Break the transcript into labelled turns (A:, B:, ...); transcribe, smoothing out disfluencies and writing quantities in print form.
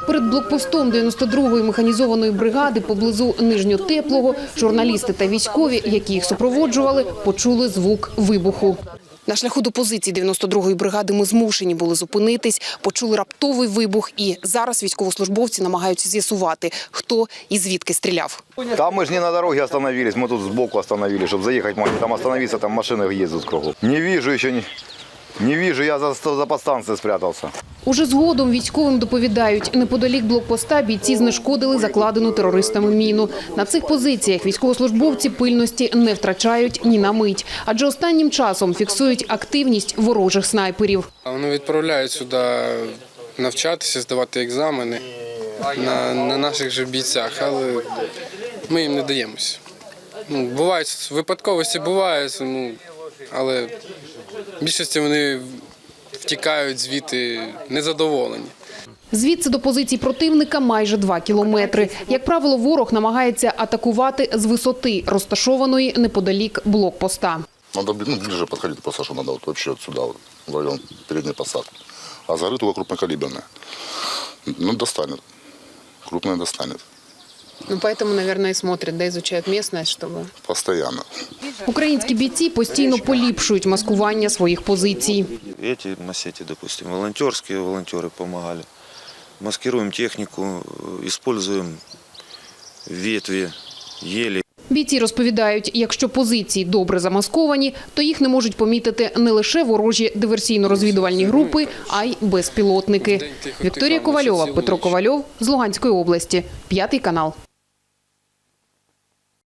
A: Перед блокпостом 92-ї механізованої бригади поблизу Нижньотеплого журналісти та військові, які їх супроводжували, почули звук вибуху. На шляху до позиції 92-ї бригади ми змушені були зупинитись, почули раптовий вибух і зараз військовослужбовці намагаються з'ясувати, хто і звідки стріляв.
B: Там мы же не на дороге остановились, мы тут сбоку остановились, чтобы заехать, там остановиться, там машины ездят кругом. Не вижу еще, не вижу, я за подстанцией спрятался.
A: Уже згодом військовим доповідають, неподалік блокпоста бійці знешкодили закладену терористами міну. На цих позиціях військовослужбовці пильності не втрачають ні на мить, адже останнім часом фіксують активність ворожих снайперів.
C: Вони відправляють сюди навчатися, здавати екзамени на наших же бійцях, але ми їм не даємося. Бувають випадковості, бувають, але в більшості вони втікають звідти незадоволені.
A: Звідси до позицій противника майже 2 кілометри. Як правило, ворог намагається атакувати з висоти, розташованої неподалік блокпоста.
D: Надо ближе подходить просто, что надо вообще отсюда, в район передней посадки. А с горы только крупнокалиберная. Достанет. Крупная достанет.
A: Поэтому, наверное, и смотрят, да, изучают местность, чтобы...
D: Постоянно.
A: Українські бійці постійно поліпшують маскування своїх позицій.
E: Эти массети, допустим, волонтерские волонтеры помогали. Маскируем технику, используем ветви, ели.
A: Бійці розповідають, якщо позиції добре замасковані, то їх не можуть помітити не лише ворожі диверсійно-розвідувальні групи, а й безпілотники. Вікторія Ковальова, Петро Ковальов з Луганської області, 5 канал.